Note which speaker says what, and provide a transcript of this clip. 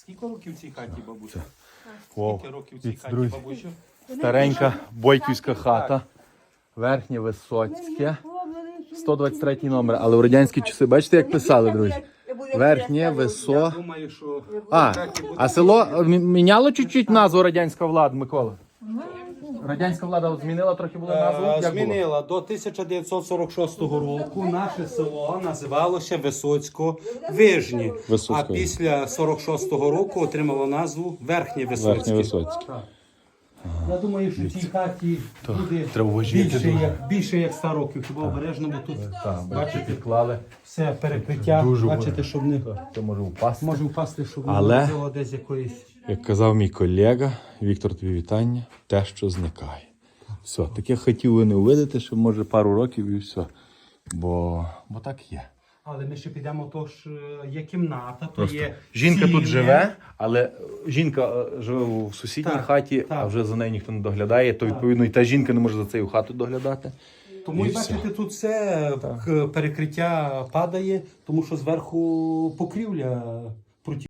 Speaker 1: Скільки років в цій хаті, бабуся?
Speaker 2: Вау.
Speaker 1: Скільки років в цій хаті,
Speaker 2: Друзі.
Speaker 1: бабусю?
Speaker 2: Старенька бойківська хата. Верхнє Висоцьке. 123 номер. Але в радянські часи, бачите, як писали, друзі? Верхнє Висо.
Speaker 1: Думаю, що...
Speaker 2: А село міняло чуть-чуть назву радянська влада, Микола? Радянська влада змінила трохи була назву? Як було?
Speaker 1: Змінила. До 1946 року наше село називалося Висоцько-Вижні.
Speaker 2: Висоцько.
Speaker 1: А після 46-го року отримало назву Верхнє Висоцьке.
Speaker 2: Верхнє Висоцьке.
Speaker 1: Я думаю, що в цій хаті буде
Speaker 2: треба важити дуже.
Speaker 1: більше як 100 років. Хіба обережно, бо тут
Speaker 2: Бачите, клали.
Speaker 1: все перекриття.
Speaker 2: Дуже
Speaker 1: Бачите, щоб не
Speaker 2: Це може впасти.
Speaker 1: може впасти, щоб
Speaker 2: Але-
Speaker 1: не було десь якоїсь.
Speaker 2: Як казав мій колега, Віктор, тобі вітання, те, що зникає. Все, таких хотів ви не увидите, що може пару років і все. Бо так є.
Speaker 1: Але ми ще підемо, то ж є кімната, то є
Speaker 2: Жінка тут
Speaker 1: ціле.
Speaker 2: живе, але жінка живе в сусідній
Speaker 1: Так,
Speaker 2: хаті,
Speaker 1: так.
Speaker 2: а вже за нею ніхто не доглядає, то відповідно і та жінка не може за цією хату доглядати.
Speaker 1: Тому
Speaker 2: І
Speaker 1: і бачите, тут все перекриття падає, тому що зверху покрівля